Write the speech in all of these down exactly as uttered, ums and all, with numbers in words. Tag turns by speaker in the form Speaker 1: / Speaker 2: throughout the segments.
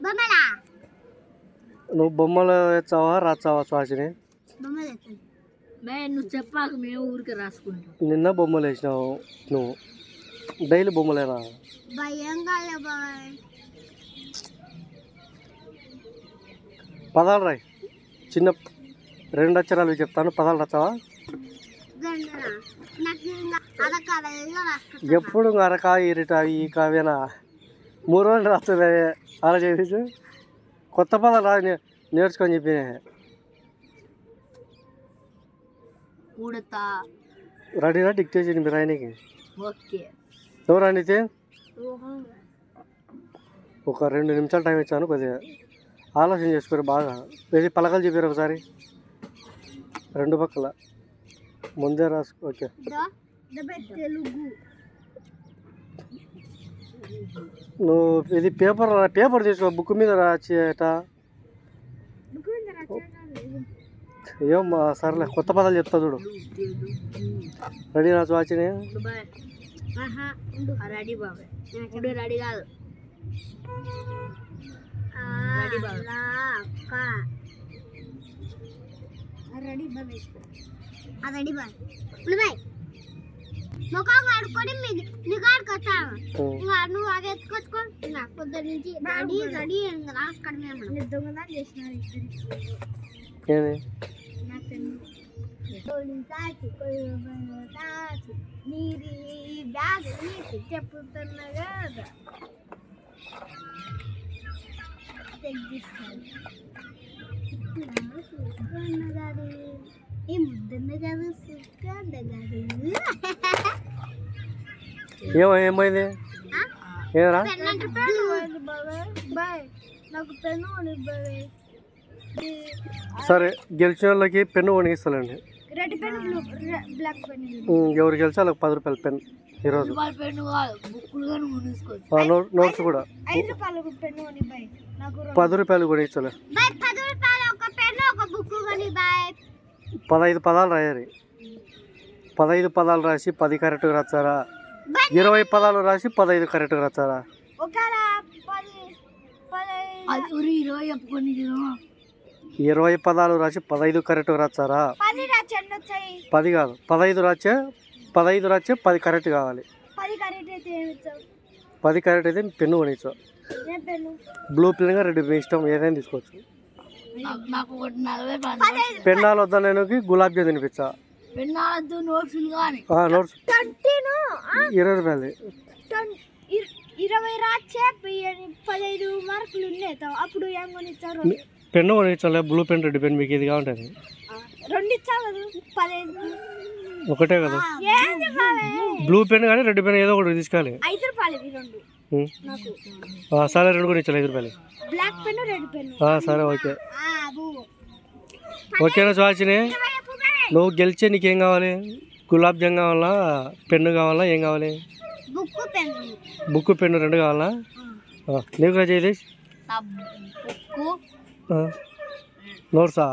Speaker 1: నువ్వు బొమ్మలు వేస్తావా రాస్తావా శ్వాసని?
Speaker 2: నువ్వు చెప్పాక మేము ఊరికి రాసుకుంటాం.
Speaker 1: నిన్న బొమ్మలు వేసినావు నువ్వు, డైలీ బొమ్మలేనా? పదాలు రాయి, చిన్న రెండు అక్షరాలు చెప్తాను, పదాలు రాస్తావా? ఎప్పుడు అరకా ఇరిట ఈ కావ్యనా మూడు రోజులు రాస్తుంది అలా చేసి కొత్త పదాలు రా నేర్చుకొని చెప్పి రెడీనా డిక్టేషన్ మీరు ఆయనకి? ఎవరు అనితే ఒక రెండు నిమిషాలు టైం ఇచ్చాను, కొద్దిగా ఆలోచన చేసుకోరు బాగా. ఇది పలకలు చెప్పారు ఒకసారి రెండు పక్కల ముందే రాసుకో. ఓకే నువ్వు ఇది పేపర్ పేపర్ తీసుకో, బుక్ మీద రాచేట ఏం సర్లే కొత్త పదాలు చెప్తా చూడు. రెడీ నా వాచిని?
Speaker 2: రెడీ కాదు ready boy ready boy boy ముఖం ఆడుకొని నీకు ఆడుకొచ్చాను. నువ్వు అది ఎత్తుకొచ్చుకో నాకు పొద్దు నుంచి రెడీ రెడీ రాసుకోవడమే దొంగదా చేసినారు నీది బ్యాగ్ నీకు చెప్పుతున్నా కదా తెగిస్తాను చూసుకున్నదాడు ఈ ముద్దన్న కాదు చూసుకున్నదాడు.
Speaker 1: ఏమో ఏమైంది ఏరా?
Speaker 2: నాకు పెన్ను బాయ్.
Speaker 1: సరే గెలిచిన వాళ్ళకి పెన్ను కొనిగిస్తానండి.
Speaker 2: Red pen blue black pen.
Speaker 1: ఎవరు గెలిచి వాళ్ళకి పది రూపాయల పెన్ ఈరోజు. నోట్స్ కూడా పది రూపాయలు కూడా ఇచ్చలే. పదహైదు పదాలు రాయాలి. పదహైదు పదాలు రాసి పది కరెక్ట్గా రాస్తారా? ఇరవై పదాలు రాసి పదహైదు కరెక్ట్గా రాస్తారా? ఇరవై పదాలు రాసి పదహైదు కరెక్ట్గా రాస్తారా? పది కాదు పదహైదు రాచే పదహైదు రాచే పది కరెక్ట్ కావాలి. పది కరెక్ట్ అయితే పెన్ను కొనిచ్చావు. బ్లూ పెన్ రెడ్ పెన్ ఇష్టం ఏదైనా తీసుకోవచ్చు. పెన్నాలు వద్దా నేను గులాబ్ జామ్ తినిపించా. నోట్స్ ఇరవై రూపాయలు.
Speaker 2: ఇరవై రాచే పదహైదు మార్కులు ఉన్నాయి అప్పుడు ఏం కొనిచ్చారు?
Speaker 1: పెన్ను కొనిచ్చాలే బ్లూ పెన్ రెడ్ పెన్ మీకు ఇది కావాలి.
Speaker 2: రెండు ఇచ్చావు పదహైదు
Speaker 1: ఒకటే కదా బ్లూ పెన్ కానీ రెడ్ పెన్ ఏదో ఒకటి తీసుకోవాలి.
Speaker 2: ఐదు రూపాయలు రెండు.
Speaker 1: సరే రెండు కూడా ఇచ్చాలి ఐదు రూపాయలు.
Speaker 2: Black pen red pen.
Speaker 1: సరే ఓకే ఓకేనా సుహాసిని? నువ్వు గెలిచే నీకేం కావాలి? గులాబ్ జామ్ కావాలా పెన్ను కావాలా ఏం కావాలి? బుక్ పెన్ను రెండు కావాలా? నీకు రా జయదేశ్ నోట్సా?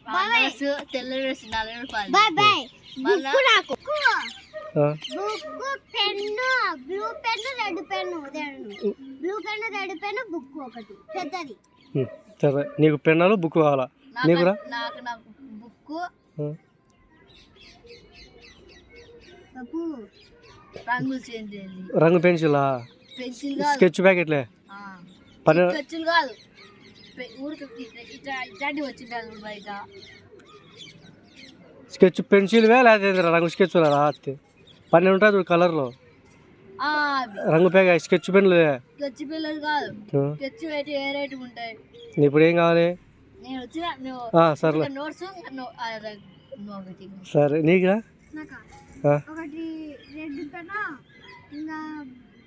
Speaker 1: సరే నీకు పెన్నులు బుక్ కావాలా? నీకు రా రంగు పెన్సిలా? స్కెచ్ ప్యాకెట్లే స్కెచ్ పెన్సిల్ వే లేదా రంగు స్కెచ్ రాత్రి పన్నెండు ఉంటుంది చూడు కలర్లో రంగు ప్యాక్ స్కెచ్ పెన్లు. ఇప్పుడు ఏం కావాలి? సరే సరే నీకురా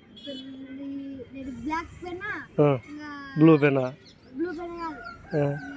Speaker 1: బ్లూ పెన్నా